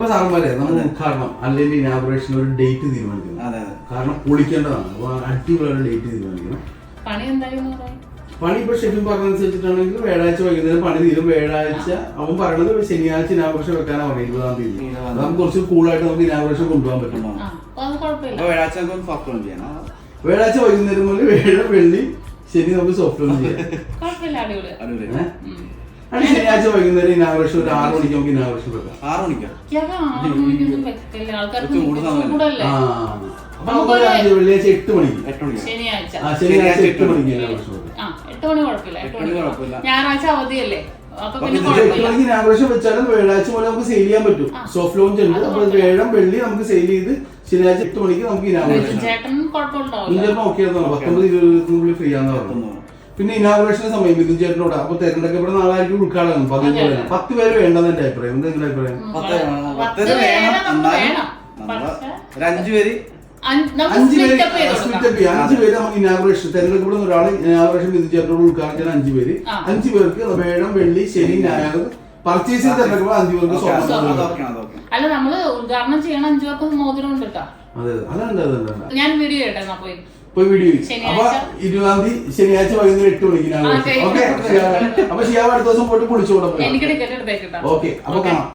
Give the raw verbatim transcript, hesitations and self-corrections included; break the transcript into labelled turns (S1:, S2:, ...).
S1: സാറന്മാരെ നമ്മൾ ഉദ്ഘാടനം അല്ലെങ്കിൽ ഇനാഗുറേഷൻ ഒരു ഡേറ്റ് തീരുമാനിക്കണം. കാരണം പൊളിക്കേണ്ടതാണ്. അപ്പൊ അടിപൊളിയായ ഡേറ്റ് തീരുമാനിക്കണം. പണി ഇപ്പൊ ഷെഫിൻ പറഞ്ഞനുസരിച്ചിട്ടാണെങ്കിൽ വ്യാഴാഴ്ച വൈകുന്നേരം പണി തീരും. വ്യാഴാഴ്ച അവൻ പറയണത് ശനിയാഴ്ച ഇനാഗുറേഷൻ വെക്കാനാണ് പറയുന്നത്. ഇരുപതാം തീയതി നമുക്ക് കുറച്ച് കൂളായിട്ട് നമുക്ക് ഇനാഗുറേഷൻ കൊണ്ടുപോകാൻ പറ്റും. വ്യാഴാഴ്ച വൈകുന്നേരം മുതൽ വേഴ വെള്ളി ശനി നമുക്ക് സോഫ്റ്റ് ലോൺ ചെയ്യാം. അത് ശനിയാഴ്ച വൈകുന്നേരം ഇനാഗുറേഷൻ ഒരു ആറ് മണിക്ക് നമുക്ക് ഇനാഗുറേഷൻ വെക്കാം.
S2: ആറ് മണിക്കാ
S1: വെള്ളിയാഴ്ച എട്ട് മണിക്ക് ശനിയാഴ്ച എട്ട് മണിക്ക് ഇനാഗുറേഷൻ വെക്കാം.
S3: ഞായറാഴ്ച അവധിയല്ലേ?
S1: ഇനാഗുറേഷൻ വെച്ചാലും വ്യാഴാഴ്ച പോലെ നമുക്ക് സെയിൽ ചെയ്യാൻ പറ്റും. സോഫ്റ്റ് ലോഞ്ച് ഉണ്ട്. അപ്പൊ വേഴം വെള്ളി നമുക്ക് സെയിൽ ചെയ്ത് ശനിയാഴ്ച എട്ട് മണിക്ക് നമുക്ക് ഇനാഗുറേഷൻ നോക്കിയാൽ പത്തൊമ്പത് ഇരുപത്തിനുള്ളിൽ ഫ്രീ ആണെന്ന് പറഞ്ഞു. പിന്നെ ഇനാഗുറേഷന്റെ സമയം മിഥുൻ ചേട്ടനോട് അപ്പൊ തെരഞ്ഞെടുക്കപ്പെടുന്ന നാളായിരിക്കും ഉദ്ഘാടനം. പതിനഞ്ച് പത്ത് പേര് വേണ്ടെന്ന് എന്റെ അഭിപ്രായം. എന്താ നിങ്ങളുടെ അഭിപ്രായം?
S2: അഞ്ചു പേര്
S1: അഞ്ചു പേര് സ്പ്ലിറ്റപ്പ് ചെയ്യാം. അഞ്ചു പേര് നമുക്ക് ഇനാഗുറേഷൻ തെരഞ്ഞെടുക്കപ്പെടുന്ന ഒരാള് ഇനാഗുറേഷൻ മിഥുൻ ചേട്ടനോട് ഉദ്ഘാടനം ചെയ്യാൻ അഞ്ചു പേര്. അഞ്ചു പേർക്ക് വേഴം വെള്ളി ശനി ഞായർ പർച്ചേസ് ചെയ്ത് തെരഞ്ഞെടുക്കുമ്പോൾ അഞ്ചു പേർക്ക്
S3: അല്ല നമ്മള് ഉദ്ഘാടനം ചെയ്യണം. അഞ്ചു പേർക്ക് മോതിരം ഉണ്ട് കേട്ടോ.
S1: അതെ അതുണ്ട് അതുണ്ട്.
S3: ഞാൻ വീഡിയോ കേട്ടോ പോയി
S1: പോയി വീഡിയോ. അപ്പൊ ഇരുപതാം തീയതി ശനിയാഴ്ച വൈകുന്നേരം എട്ട് മണിക്ക് ഓക്കെ. അപ്പൊ ഷിയാവ് അടുത്ത ദിവസം പോയിട്ട് കുളിച്ചോടാം.
S3: എനിക്ക് ടിക്കറ്റ് എടുത്തേക്കിട്ടോ.
S1: ഓക്കെ അപ്പൊ കാണാം.